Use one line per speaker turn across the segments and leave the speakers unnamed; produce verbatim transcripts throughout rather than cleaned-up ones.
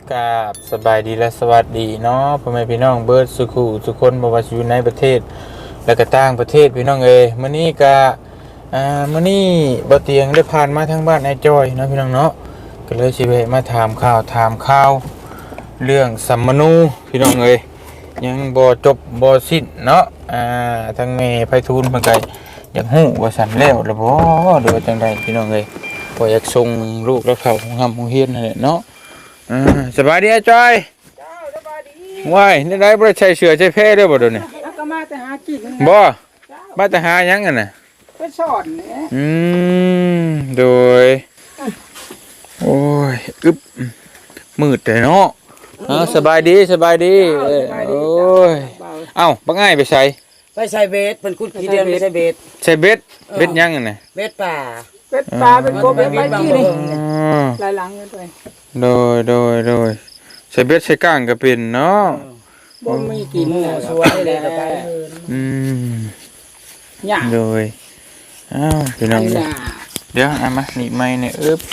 กราบสบายดีและสวัสดีเนาะพ่อแม่พี่น้องเบิร์ดสุขุทุกคนบ่ว่าสิอยู่ในประเทศและก็ต่างประเทศพี่น้องเอ้ยมื้อนี้ก็อ่ามื้อนี้บ่เตียงได้ผ่านมาทางบ้านไอ้จ้อยเนาะพี่น้องเนาะก็เลยสิแวะมาถามข่าวถามข่าวเรื่องสัมมนูพี่น้องเอ้ยยังบ่จบบ่สิ้นเนาะอ่าทางแม่ไผทูลเพิ่นก็อยากฮู้ว่าสั่นแล้วล่ะบ่หรือว่าจังไดพี่น้องเอ้ยบ่อยากส่งลูกแล้วเข้าโรงเรียนโรงเรียนนั่นแหละเนาะอ่าสบายดีอาจอยเจ้าสบายดีว้ายนี่ได้บ่ได้ใช้เสื้อใช้แพรเด้อบ่เดี๋ยวนี้
แล้วก็มาแต่หากิน
บ่มาแต่หาหยังกันน่ะ
ไปสอนเนี่ย
อืมโดยโอ้ยอึบมืดแต่เนาะอ่าสบายดีสบายดีโอ้ยเอ้าบ่ง่ายไปใส่
ไปใส่เบสเป็นคุดขี้เดือนไปใส่เบส
ใส่เบ็ดเบ็ดหยังกันน่ะ
เบสป่า
เป็ดปลาเป็นโกเป็นไปที่นี่หลายหลังกันไป
โดยโดยโดยใส่เบ็ดใส่ก้างก็เป็นเนาะ
บ่มีกิน
สวยเลยไป
อืม
ยาก
โดยอ้าวพี่น้องเดี๋ยวเอามาหนีไม้เนี่ยอึบ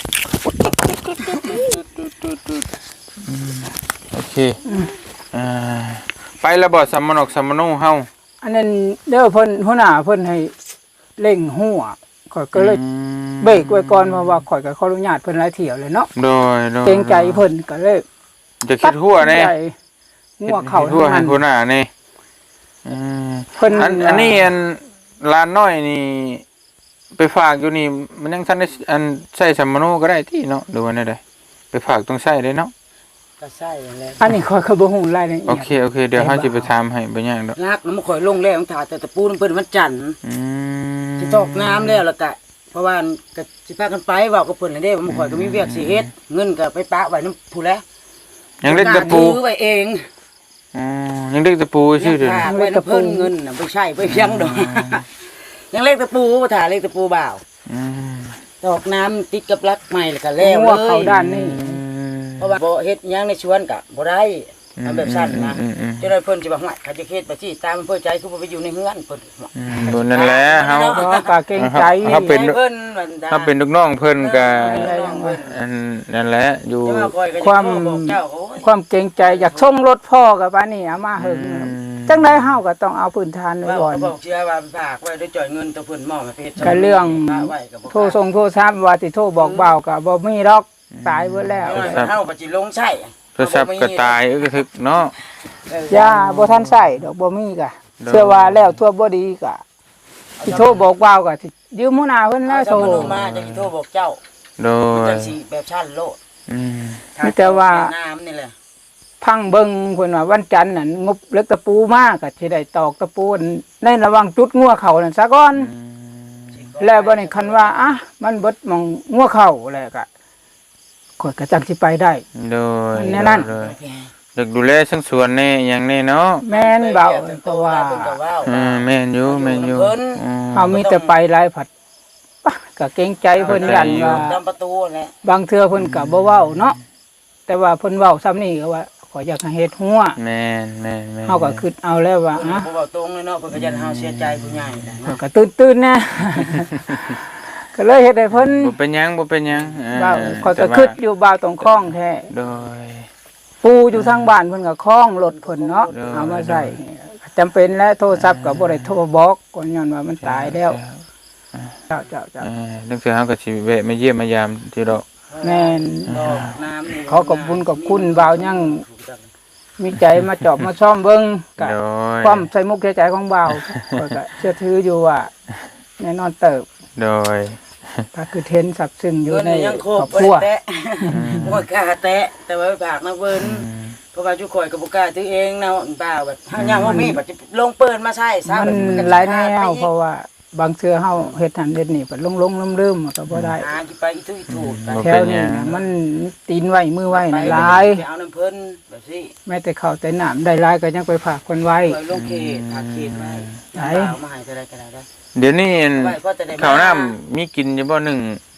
โอเคอ่าไปแล้วบ่สัมมนกสัมมโนเฮา
อันนั้นเด้อเพิ่นหัวหน้าเพิ่นให้เร่งหัวข่อยก็เลยเบรกไว้ก่อนเพราะว่าข่อยก็ขออนุญาตเพิ่นหลายเที่ยวเลยเนาะ
โดยโดย
เกรงใจเพิ่นก็เลย
จะคิดหัวแน่
หัวเข้า
หัวให้หัวหน้านี่อืมเพิ่นอันอันนี้อันลานน้อยนี่ไปฝากอยู่นี่มันยังทันได้อันใช้สัมมโนก็ได้ที่เนาะดูว่าแนวใดไปฝากต้องใช้เด้เนาะ
ก็ใช่แล้ว
อันนี้ข่อยก็บ่ฮู้รายละเอียด
โอเคโอเคเดี๋ยวเฮาสิไปถามให้บ่ยากดอก
นักมันข่อยลงแล้วถ่าแต่ตะปูมันเพิ่นวันจันทร์
อืม
สิตกน้ำแล้วแล้วก็เพราะว่าก็สิพากันไปเว้ากับเพิ่นน่ะเด้มันข่อยก็มีเวียกสิเฮ็ดเงินก็ไปปะไว้นำผู้แล
ยังเล็กตะปู
ซื้อไว้เอง
อ๋อยังเล็กตะปูชื่อเด้อ
ไว้นำเพิ่นเงินน่ะบ่ใช่บ่เพียงดอกยังเล็กตะปูบ่ถ่าเล็กตะปูบ่าว
อืม
ตอกน้ำติดกับรักใหม่แล้วก็แล้วเลย
เข้าด้านนี้
เพราะว่าบ่เฮ็ดหยังในสวนก็บ่ได้ทำแบบสั้นนะจะได้เพิ่นสิว่าหวยเขาจะเฮ็ดไปสิตามเพิ่นใจคือบ่ไปอยู่ในเฮือนเพิ่น
บ่นั่นแหละเฮา
ก็เกรงใจ
เฮาเป็นเพิ่นเฮาเป็นลูกน้องเพิ่นก็อันนั่นแหละอยู่
ความความเกรงใจอยากส่งรถพ่อกับบ้านนี่เอามาหึงจังได๋เฮาก็ต้องเอาพื้นฐานไว้ก่อน
บอกเชื่อว่าฝากไว้ด้วยจ่อยเงินตัวเพิ่นมอบให้เพชร
ก็เรื่องโทรส่งโทรศัพท์ว่าสิโทรบอกเบาก็บ่มีดอกตายเบิดแล้ว
เฮาก็สิลงใช้
โทรศัพท์ก็ตายอึกทึกเนาะ
ย่าบ่ทันใช้ดอกบ่มีก็เชื่อว่าแล้วทั่วบ่ดีก็สิโทรบอกเบาก็สิยืมหัวหน้าเพิ่นแล้วโทร
มาจะสิโทรบอกเจ้า
โดย
จังสิแบบชั้นโลด
อืม
มีแต่ว่า
น้ำนี่แหละ
พังเบิ่งเพิ่นว่าวันจันทร์นั่นงบเล็กตะปูมาก็สิได้ตอกตะปูในระหว่างจุดงัวเข้านั่นซะก่อนแล้วบัดนี้คันว่าอ่ะมันเบิดมองงัวเข้าแล้วก็ข่อยก็จังสิไปได้
โดย
แน่นั่น
อยากดูแลทั้งสวนแน่อย่างแน่เนาะ
แม่นเบาเพราะว่า
อืมแม่นอยู่แม่นอยู่
เฮามีแต่ไปหลายผัดก็เกรงใจเพิ่นยันว่า
ตามประตูแหละ
บางเทื่อเพิ่นก็บ่เว้าเนาะแต่ว่าเพิ่นเว้าซ้ำนี่ก็ว่าขออยากให้เฮ็ดหัว
แม่นแม่นแม่น
เฮาก็คิดเอาแล้วว่า
ฮะบ่เว้าตรงเลยเนาะเพิ่นก็ยันเฮาเสียใจผู้ใหญ่
นะก็ตื่นๆนะก็เลยเฮ็ดให้เพิ่น
บ่เป็นหยังบ่เป็นหยัง
เว้าข้อยก็คิดอยู่บ่าวตรงคลองแท้
โดย
ปูอยู่ทางบ้านเพิ่นก็คล้องรถเพิ่นเนาะเอามาใส่จำเป็นแล้วโทรศัพท์ก็บ่ได้โทรบอกก่อนย้อนว่ามันตายแล้วเจ้าเจ้าเจ้า
เออจังซี่เฮาก็สิแวะมาเยี่ยมมายามที่ดอก
แม่นขอขอบคุณขอบคุณบ่าวยังมีใจมาจอบมาซ่อมเบิ่งก็ความใส่มุกใจของบ่าวก็เชื่อถืออยู่ว่าแน่นอนเติบ
โดย
ก็คือเทนสับซึ่งอยู่ใน
ครอบครัวบ่กล้าแตะแต่ว่าฝากนะเพิ่นเพราะว่าจุข่อยก็บ่กล้าถือเองเนาะบ่าวแบบเฮายังบ่มีบัดลงเปิ้นมาใช้ซะ
มันหลายแนวเพราะว่าบางเทื่อเฮาเฮ็ดหันเฮ็ดนี่บัดลงๆลืมๆก็บ่ได้
หาสิไปอีทุอีถูก
แถวนี้มันตีนไว้มือไว้หลาย
เอาน้ำเพิ่นแบบนี้
แม้แต่ข้าวแต่น้ำได้หลายก็ยังไปฝากคนไว้
ลงเขตฝากเขตไว้ได้เอามาให้เท่าใดก็ได้
เดี๋ยวนี้ข้าวน้ำมีกินอยู่บ่หนึ่ง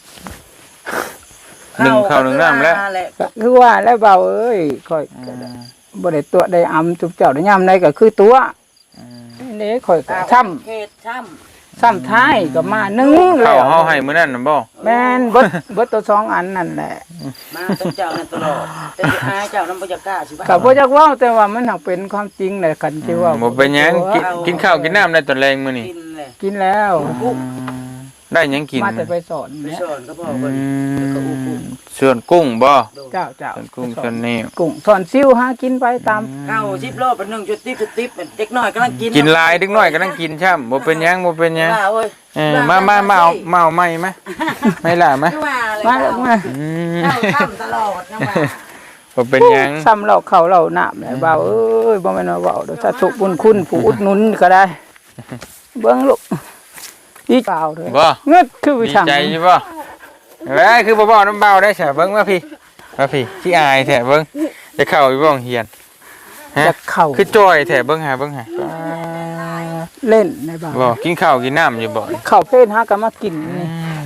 หนึ่งข้าวหนึ่งน้ำแล้ว
คือว่าแล้วเบาเอ้ยค่อยบ่ได้ตัวได้อำจุบเจ้าได้ยามใดก็คือตัวนี่ค่อยก็ช้ำ
เขตช้
ซ้ำท้ายก็มาหนึ่งแล้
เข้าว เฮาให้มื้อนั้นน่ะบ่
แม่นเบิดเบิดตัวสองอันนั่นแหละ
มาต้องเจ้านั่นตลอดแต่สิอายเจ้านั้นบ่จะกล้าสิ
ก็บ่จักเว้าแต่ว่ามันหักเป็นความจริงแหละคันที่ว่า
บ่เป็นหยังกินกินข้าวกินน้ำได้ตอนแรงมื้อนี้
กินเลย
กินแล้ว
ได้หยังกิน
มาแต่ไปสอน
ไป
เนี่ย
สอนก็บอกเพิ่นแล้วก็อู้กุ้ง
ส่วนกุ้งบ่
เจ้าเจ้า
ส่วนกุ้งส่วนนี้
กุ้งสอนซิวหากินไปตาม
เอาสิบโลเป็นหนึ่งจุดติ๊บจุดติ๊บเด็กน้อยกำลังกิน
กินหลายเด็กน้อยก็นั่งกินช่ำบ่เป็นหยังบ่เป็นหยัง
ว่าเว้ย
เออมามามาเอามาเอาใหม่มาไม่ล่ะมา
คือว่าเลย
มาแล้วมา
อืม
เข้าค่ำตลอดนะว่า
บ่เป็นหยัง
ซ้ำเราเขาเราน้ำเลยเบาเอ้ยบ่แม่นว่าเว้าเด้อสาธุบุญคุณผู้อุดหนุนก็ได้ เบิ่งลูกดีเปล่าเด้อ
บ่
เงิดคือวิ
ดี
ชัง
ใจอยู่บ่เอ้ยคือบ่บอกน้ำเบาได้ซะเบิ่งมาพี่มาพี่ขี้อายแท้เบิ่งจะเข้าอยู่บ่โรงเรียนฮะ
จะเข้า
คือจ้อยแท้เบิ่งหาเบิ่งหา
เล่นในบ้าน
บ่กินข้าวกินน้ำอยู่บ่
เข้าเพศหาก็มากินนี่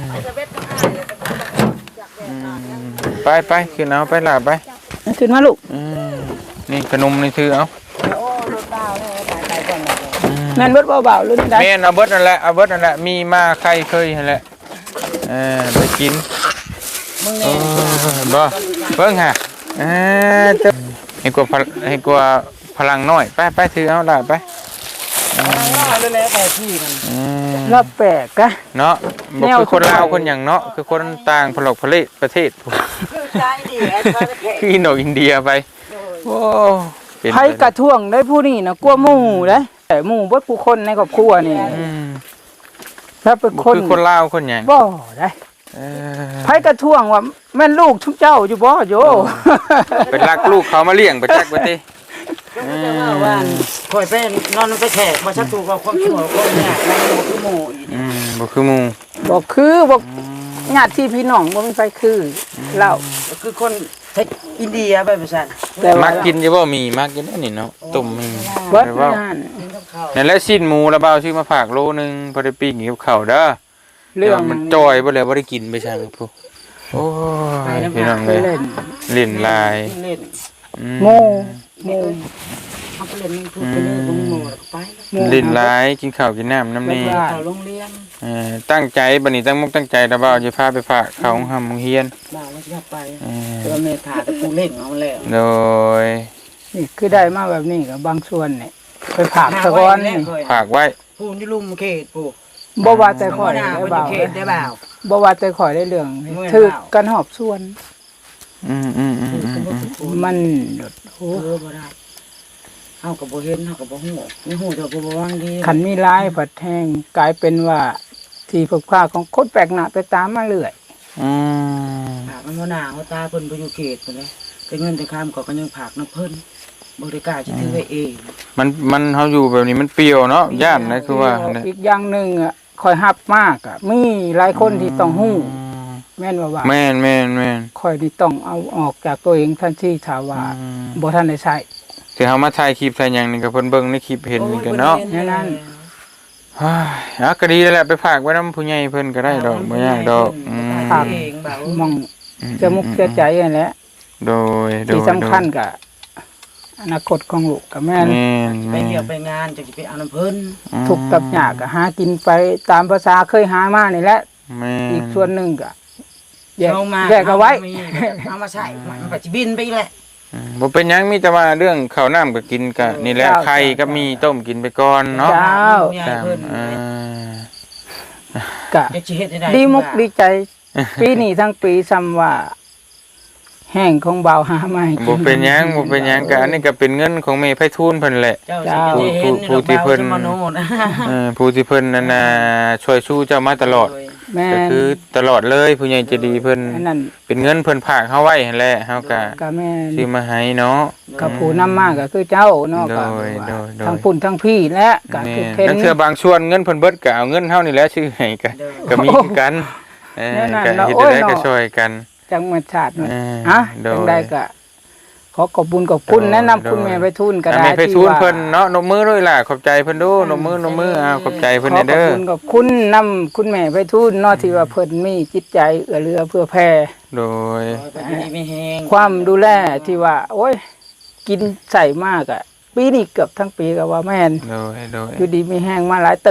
ไปไปขึ้นเอาไปล่ะไป
ขึ้นมาลูก
อืมนี่ขนมนี่ถือเอา
โอ้รถบ้าเลยตายตายก่อนเลย
แม่นเบิดเบาๆรุ่นใด
แม่นเอาเบิดนั่นแหละเอาเบิดนั่นแหละมีมาใครเคยนั่นแหละเออไปกิน
มึง
เอ
เนี่ย
อบ่เบิ่งฮะเออเจ้าให้กว่าพลให้กว่าพลังน้อยไปไปถือเอาล่ะไป
ว่าเลยแล้วแต่ที่มัน
อืม
รอบแปลกกะ
เนาะบ่คือคนลาวคนหยังเนาะคือคนต่างพลกพลิประเทศ
คือใจดีไอ้เขาจะแข่
คืออินโดอินเดียไปโอ้เป็น
ไผกระท่วงได้ผู้นี้นะกลัวหมู่เด้แต่หมู่เบิดผู้คนในครอบครัวนี่
อืม
ถ้าเป็น
บ่
คน
คือคนลาวคนหยัง
บ่ได้
เออ
ไผกระท่วงว่าแม่นลูกทุกเจ้าอยู่บ่โย
เป็นรักลูกเขามาเลี้ยงไปจักบ่ติ
ก็จะว่าว่าคอยเป็นนอนไปแขกมาชักตูกับความชั่วความเนี่ยมันโมคือโมอีก
อืมบ่คือหมู่
บ่คือบ่ญาติพี่น้องบ่มีไผคือเล่า
คือคนเทคอินเดียไปประชัน
แต่ว่า
มักกินอยู่บ่มีมักกินได้นี่เนาะต้มมี
เบิด
แต่ว่า
นั่น
กินกับข้าว
นั่นแหละสิ้นหมูระเบาซื้อมาฝากโลนึงพอได้ปิ้งกับข้าวเด้อ
เรื่อง
ดี๋ยวมันจอยบ่แล้วบ่ได้กินไปช่างผู้โอ้ยพี่น้อง
ไป
เอ้ย
เล่น
เล่นลาย
เล่น
อื
โมโม
เขาไปเล่นพูดไปเล่นลงโมไป
โม
เล่นลายกินข้าวกินน้ำน้ำนี่
เขาโรงเรียน
เออตั้งใจบัดนี้ตั้งมุกตั้งใจระเบาจะพาไปฝากเขาของหำของเฮียน
บ้าแล้วจะไป
เออ
ตัวเมธาแต่กูเล่นเอาแล้ว
โดย
นี่คือได้มาแบบนี้กับบางส่วนนี่ไปผากตะกอนนี่
ฝากไว้
ผู้นี่ลุมเขตผู้
บ่ว่าแต่ข่อย
หน้า
ได้
เป็น
เบา
เขตได้เปล่า
บ่ว่าแต่ข่อยได้เรื่อง
เมื่อย
ถือ
เปล่า
กันหอบส่วน
อืมอืมอืมอืมอืม
มัน
โอ้บ่ได้เฮากับบ่เห็นเฮากับบ่ฮู้นี่ฮู้แต่กูบ่วางดี
ขันมีร้ายผัดแห้งกลายเป็นว่าที่พบค่าของคนแปลกหน้าไปตามมาเรื่อย
อืม
ผากมันบ่หน้าเขาตาเพิ่นบ่อยู่เขตพุ่นเลยแต่เงินแต่คำก็ก็ยังผากน้ำเพิ่นบ่ได้กล้าสิถือไว้เอง
มันมันเฮาอยู่แบบนี้มันเปรี้ยวเนาะย่านนะคือว่าเนี่ย
อีกอย่างหนึ่งอ่ะคอยหับมากอ่ะมีหลายคนที่ต้องหู้แม่นว่าว่า
แม่นแม่นแม่น
คอยที่ต้องเอาออกจากตัวเองทันทีถ้าว่า
อืม
บ่ทันได้ใช้
ที่เฮามาถ่ายคลิปถ่ายหยังนี่ก็เพิ่นเบิ่งในคลิปเห็นนี่กันเนาะ
แน่นอน
เฮ้ยอ่ะก็ดีแล้วแหละไปฝากไว้นำผู้ใหญ่เพิ่นก็ได้ดอกบ่ยากดอกอืม
ฝากเองเบาม
องจะมุกจะใจนั่นแหละ
โดยโดย
ที่สำคัญก็อนาคตของลูกกับแม่น
แม่น
ไป
แม่
เที่ยวน ไปงานจะสิไปเอาน้ำเพิ่น
ทุกข์กับยากก็หากินไปตามภาษาเคยหามานี่แหละ
แม่น
อีกส่วนหนึ่งก็แยก
เอามา
แยกเอาไว้
เอามาใส่มันก็สิบินไปอีกแหละ
อืมบ่เป็นหยังมีแต่ว่าเรื่องข้าวน้ำก็กินก็นี่แหละไข่ก็มีต้มกินไปก่อนเนาะ
เจ้า
ตามอ่า
ก็
จะสิเฮ็ดได้
ดีมุกดีใจ ปีนี้ทั้งปีซ้ำว่า แห้งของเบาหามาให้กิ
บ่เป็นหยังบ่เป็นหยังก็อันนี้ก็เป็นเงินของแม่ไผทูลเพิ่นแหละ
เจ้าสิเห็น
ผู้ที่เพิ่น
มโนนะ
เออผู้ที่เพิ่นนั่นน่ะช่วยสู้เจ้ามาตลอด
แม่
ก็
น
คือตลอดเลยผู้ใหญ่ใจดีเพิ่น
อันนั้น
เป็นเงินเพิ่นฝากเฮาไว้หั่นแหละเฮาก็
ก็แม่น
ซื้อมาให้เนาะ
ก็ผู้นำมาก็คือเจ้าเนาะก็
โดยโดยโดย
ทั้งปุ่นทั้งพี่และก็
แม่
คือเห็น
นั่นเทื่อบางส่วนเงินเพิ่นเบิดก็เอาเงินเฮานี่แหละซื้อให้ก็ก็มีคือกันเออ
แน่นอน
ก็
เนาะ
เฮ็ด
โอ้ย
ได้ก็
เนาะ
ช่วยกัน
จังหวัดชาตินี่
เออ
ฮะ
โดย
จังได้ก็ขอขอบคุญขอบคุณ
โดย
แนะนำคุณ
โดย
แม่ไปทุนก็
อัน
ได้
นี้ไป
ที่
ทูล
ว่า
เพิ่นเนาะนมมือด้วยล่ะขอบใจเพิ่นดูนมมือนมมืออ้าวขอบใจเพิ่น
ขอ
เด้
ขอบ
อ
คุณขอบคุณนำคุณแม่ไปทุนเนาะที่ว่าเพิ่นมีจิตใจเอื้อเรือเพื่อแผ่
โดย
ไปดีไม่แห้ง
ความดูแลที่ว่า โอ้ย กินใส่มากอ่ะ ปีนี้เกือบทั้งปีก็ว่าแม่น
โดยโดย
อยู่ดีมีแห้งมาหลายเติบ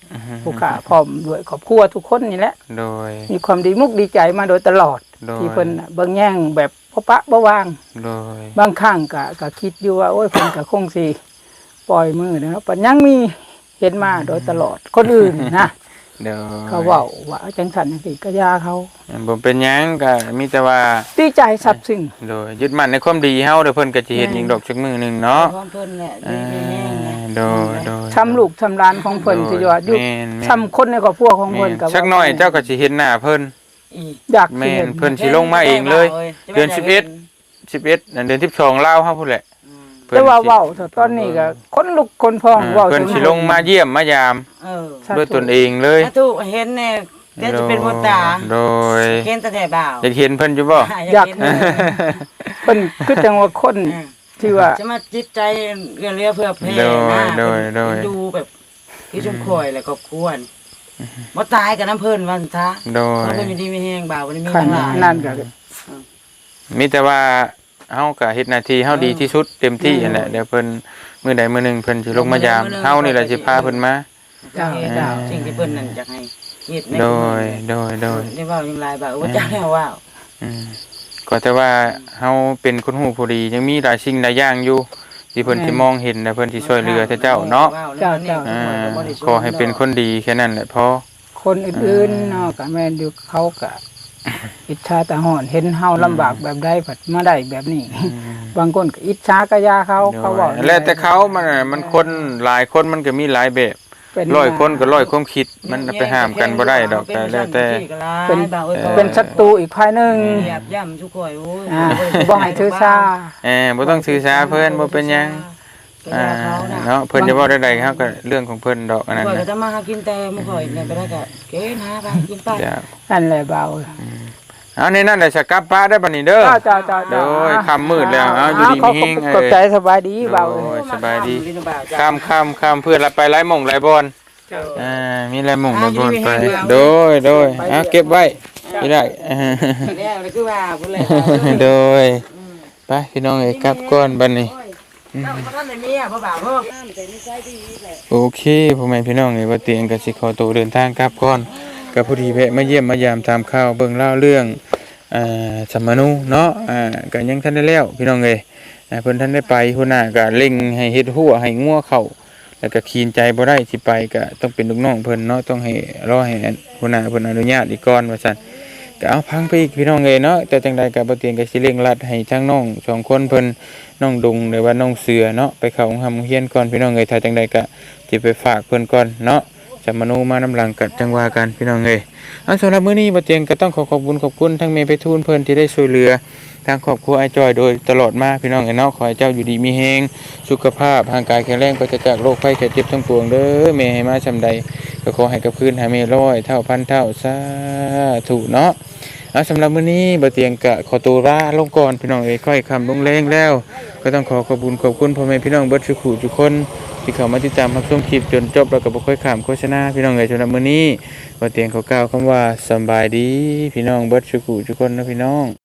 ผู้ขาพร้อมด้วยครอบครัวทุกคนนี่แหละ
โดย
มีความดีมุกดีใจมาโดยตลอด
โดย
ที่เพิ่นน่ะเบิ่งแย่งแบบพบปะบ่วาง
โดย
บางครั้งก็ก็คิดอยู่ว่าโอ้ยเพิ่นก็คงสิปล่อยมือเนาะปัญยังมีเห็นมาโดยตลอดคนอื่นนะ
เดี๋ยว
เขาเว้าว่าจังซั่นจังซี่ก็ยาเขา
บ่เป็นหยังก็มีแต่ว่า
ดีใจซับซึ้ง
โดยยึดมั่นในความดีเฮาเดี๋ยวเพิ่นก็สิเฮ็ดอีกดอกจักมื้อหนึงเนาะ
พร้อมเพิ่นแหละ
อ่า
ดีแห้งๆนะ
โดยโดย
ทำลูกทำหลานของเพิ่นที่ว่าอยู่
แม่นแม่น
ทำคนในครอบครัวของเพิ่นก็
สักหน่อยเจ้าก็สิเห็นหน้าเพิ่น
อีก
อยากสิ
แม่
เห็
น
น
เพิ่นสิลงมาเองเลย เดือนสิบเอ็ด สิบเอ็ดนั่นเดือนสิบสองลาวเฮาพุ่นแหละ
แต่ว่าเว้าเถอะตอนนี้ก็คนลุกคนพอง
อ่า
เว้า
เพิ่น
จน
สิลงมาเยี่ยมมายาม
เออ
ด้วยตนเองเลย
ถ้าถูกเห็นเนี่ยเดี๋ยวจะเป็นคนตา
โดย
เห็นแต่แต่บ่าว
อยากเห็นเพิ่นอยู่บ่
อยากเห็นเลย
เพิ่นคือจังว่าคน
อืม
ที่ว่า
จะมาจิตใจเรื่องเรือเพื่อเพล
โดย
นะ
โดยโดย
ดูแบบที่ชมคอยแล้วก็ควรบ่ตายกับน้ำเพิ่นวันซะ
โดย
น้ำเพิ่นอยู่ดีไม่แห้งบ่าววันนี้มี
ขัน
ทั้งหลาย
นั่นก็
มีแต่ว่าเฮาก็เฮ็ดหน้าที่เฮาดีที่สุดเต็มที่นั่นแหละเดี๋ยวเพิ่นมื้อใดมื้อหนึงเพิ่นสิลงมายามเฮานี่แหละสิพาเพิ่นมา
เจ้า
เจ้าสิ่งที่เพิ่นนั่นอยากให้เฮ็ดใน
โดยโดยโดย
ได้เว้าอย่างไรบ่าวว่าจ้าแล้วว้าว
อืมก็แต่ว่าเฮาเป็นคนหูผู้ดียังมีหลายสิ่งหลายอย่างอยู่ที่เพิ่นสิมองเห็นและเพิ่นสิช่วยเหลือแต่เจ้าเนาะ
เจ้าเจ้า
อ่าขอให้เป็นคนดีแค่นั้นแหละพอ
คนอื่นๆเนาะก็แม่นอยู่เขาก็อิจฉาตาหอนเห็นเฮาลำบากแบบใดผัดมาได้แบบนี้ บางคนก็อิจฉากะยาเขาเขาบอก
แล้วแต่เขามันน่ะมันคนหลายคนมันก็มีหลายแบบ
เป็น
ร้อยคนก็ร้อยความคิดมันไปห้ามกันบ่ได้ดอกแต่แล้วแต่
เป็น
บ่าวอ้ย
เป็นศัตรูอีกภายหนึง
เหยียบย่ำทุกข่อยโอ้ย
อ่าบ่ให้ถือซา
เออบ่ต้องสื่อสารเพิ่นบ่เป็นหยัง
เป็น
อ่า
ยาเขาน่ะ
เนาะเพิ่นจะเว้าได้ๆเขาก็เรื่องของเพิ่นดอกอันนั้น
ข่อยก็
นะ
จะมาหากินแต่มื้อข่อยเนี่ยไปได้ก็เกณฑ์หาไปกินไป
จ้ะ
นั่นแหละเบา
เอาในนั้นแหละสกลับป้าได้บัดนี้เด้อ
เจ้าเจ้าเจ้า
โดยค่ำมืดแล้วเอาอยู่ดีมีแฮง
ขอบใจสบายดีเบา
โอ้ยสบายดี
กินบ่าวจ้ะ
ข้ามข้ามข้ามเพื่อนละไปไล่หม่องไล่บอลอ่ามีไล่หม่องไล่บอลไป โดยโดยอ่ะเก็บไว้ไม่ได้
แล้วเลยคือว่าพุ่นแหละ
โดยไปพี่น้องเอ้ยกลับก่อนบัดนี้
เจ้าบ่ทันได้เมียบ่บ่าวเพิ่ม
โอเคพ่อแม่พี่น้องเอ้ยว่าเตียงก็สิขอตัวเดินทางกลับก่อนก็พอดีแวะมาเยี่ยมมายามตามข่าวเบิ่งเล่าเรื่องอ่าสัมมนูเนาะอ่าก็ยังทันได้แล้วพี่น้องเอ้ยอ่าเพิ่นทันได้ไปหัวหน้าก็เร่งให้เฮ็ดหัวให้งัวเข้าแล้วก็คีนใจบ่ได้สิไปก็ต้องเป็นลูกน้องเพิ่นเนาะต้องให้รอให้หัวหน้าเพิ่นอนุญาตอีกก่อนว่าซั่นก็เอาพังไปอีกพี่น้องเอ้ยเนาะแต่จังใดก็บ่เตียงก็สิเร่งรัดให้ทั้งน้องสองคนเพิ่นน้องดุงหรือว่าน้องเสือเนาะไปเข้าโรงเรียนก่อนพี่น้องเอ้ยถ้าจังใดก็สิไปฝากเพิ่นก่อนเนาะจะมโนมานำหลังกัดจังว่ากันพี่น้องเอ้ยเอาสำหรับมื้อนี้บ่เตียงก็ต้องขอขอบคุณขอบคุณทั้งแม่ไปทูลเพิ่นที่ได้ช่วยเหลือทางครอบครัวไอ้จอยโดยตลอดมาพี่น้องเอ้ยเนาะขอให้เจ้าอยู่ดีมีแฮงสุขภาพร่างกายแข็งแรงปราศจากโรคภัยไข้เจ็บทั้งปวงเด้อแม่ให้มาซำใดก็ขอให้กับคืนหาแม่ร้อยเท่าพันเท่าสาธุเนาะเอาสำหรับมื้อนี้บ่เตียงก็ขอตัวลาลงก่อนพี่น้องเอ้ยค่อยค่ำลงแรงแล้ว ก็ต้องขอขอบคุณขอบคุณพ่อแม่พี่น้องเบิดทุกผู้ทุกคนที่เข้ามาติดตามรับชมคลิปจนจบแล้วก็บ่ค่อยข้ามโฆษณาพี่น้องเอ้ยสำหรับมื้อนี้บ่เตียงขอกล่าวคำว่าสำบายดีพี่น้องเบิดทุกผู้ทุกคนนะพี่น้อง